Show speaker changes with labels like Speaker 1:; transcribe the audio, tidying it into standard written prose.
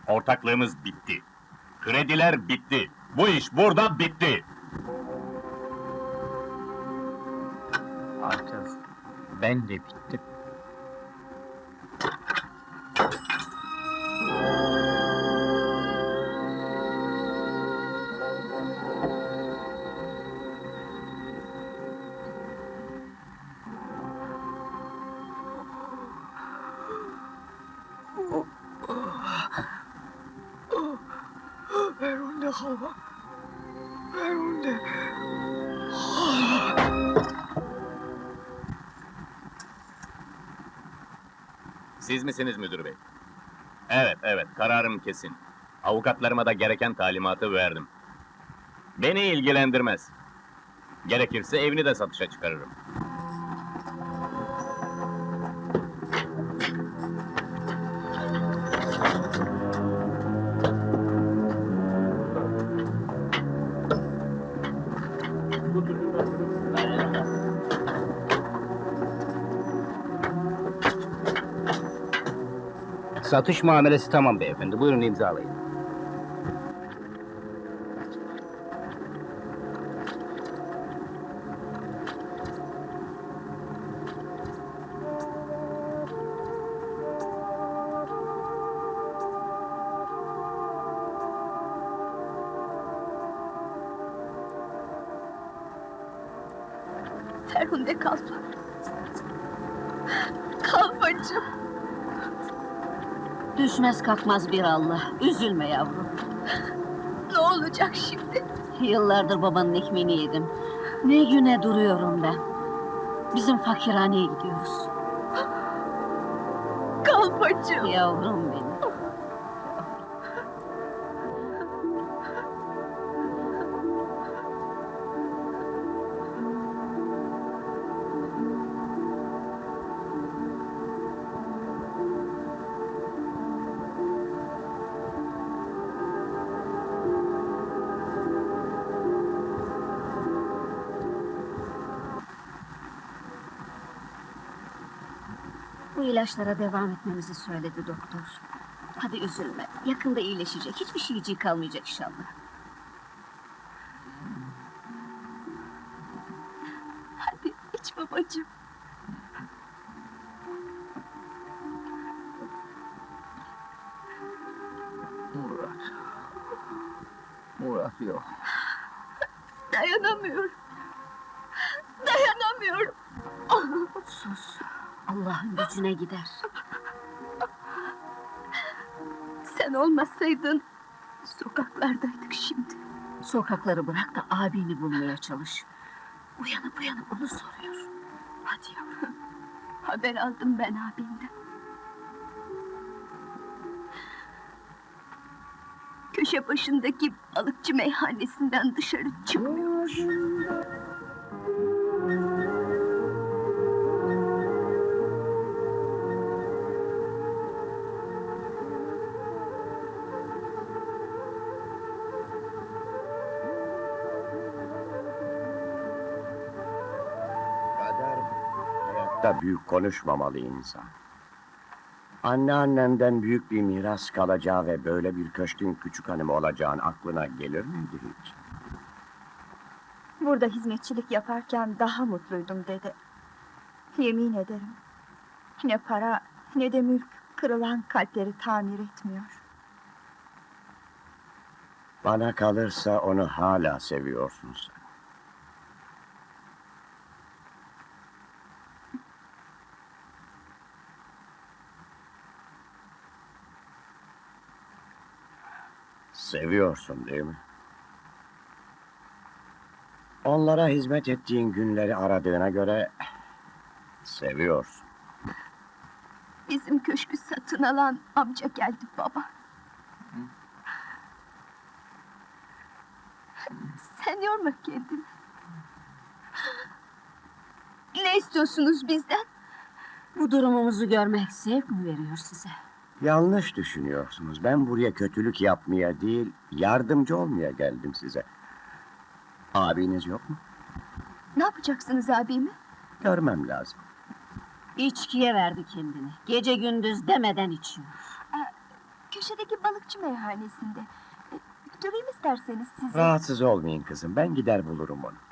Speaker 1: Ortaklığımız bitti. Krediler bitti. Bu iş burada bitti.
Speaker 2: Artık ben de bittim.
Speaker 3: Ferhunde hala. Ferhunde.
Speaker 1: Siz misiniz müdür bey? Evet, kararım kesin. Avukatlarıma da gereken talimatı verdim. Beni ilgilendirmez. Gerekirse evini de satışa çıkarırım.
Speaker 2: Satış muamelesi tamam beyefendi. Buyurun imzalayın.
Speaker 4: Ferhunde kalfa. Kalfacığım.
Speaker 5: Düşmez kalkmaz bir Allah. Üzülme yavrum.
Speaker 4: Ne olacak şimdi?
Speaker 5: Yıllardır babanın ekmeğini yedim. Ne güne duruyorum ben. Bizim fakirhaneye gidiyoruz.
Speaker 4: Kalfacığım.
Speaker 5: Yavrum benim. Bu ilaçlara devam etmemizi söyledi doktor. Hadi üzülme. Yakında iyileşecek. Hiçbir şeyciği kalmayacak inşallah.
Speaker 4: Hadi iç babacığım.
Speaker 2: Murat yok.
Speaker 4: Dayanamıyorum. Dayanamıyorum.
Speaker 5: Sus. Allah'ın gücüne gider.
Speaker 4: Sen olmasaydın sokaklardaydık şimdi.
Speaker 5: Sokakları bırak da abini bulmaya çalış. Uyanıp uyanıp onu soruyor.
Speaker 4: Hadi yavrum. Haber aldım ben abimden. Köşe başındaki balıkçı meyhanesinden dışarı çıkmıyormuş.
Speaker 6: Kader hayatta büyük konuşmamalı insan. Anneannenden büyük bir miras kalacağı ve böyle bir köşkün küçük hanımı olacağın aklına gelir miydi hiç?
Speaker 7: Burada hizmetçilik yaparken daha mutluydum dede. Yemin ederim. Ne para ne de mülk kırılan kalpleri tamir etmiyor.
Speaker 6: Bana kalırsa onu hala seviyorsun sen. Seviyorsun değil mi? Onlara hizmet ettiğin günleri aradığına göre seviyorsun.
Speaker 4: Bizim köşkü satın alan amca geldi baba. Sen yorma kendini. Ne istiyorsunuz bizden?
Speaker 5: Bu durumumuzu görmek zevk mi veriyor size?
Speaker 6: Yanlış düşünüyorsunuz. Ben buraya kötülük yapmaya değil, yardımcı olmaya geldim size. Abiniz yok mu?
Speaker 4: Ne yapacaksınız abimi?
Speaker 6: Görmem lazım.
Speaker 5: İçkiye verdi kendini. Gece gündüz demeden içiyor.
Speaker 4: Köşedeki balıkçı meyhanesinde. Götüreyim isterseniz sizi.
Speaker 6: Rahatsız olmayın kızım. Ben gider bulurum onu.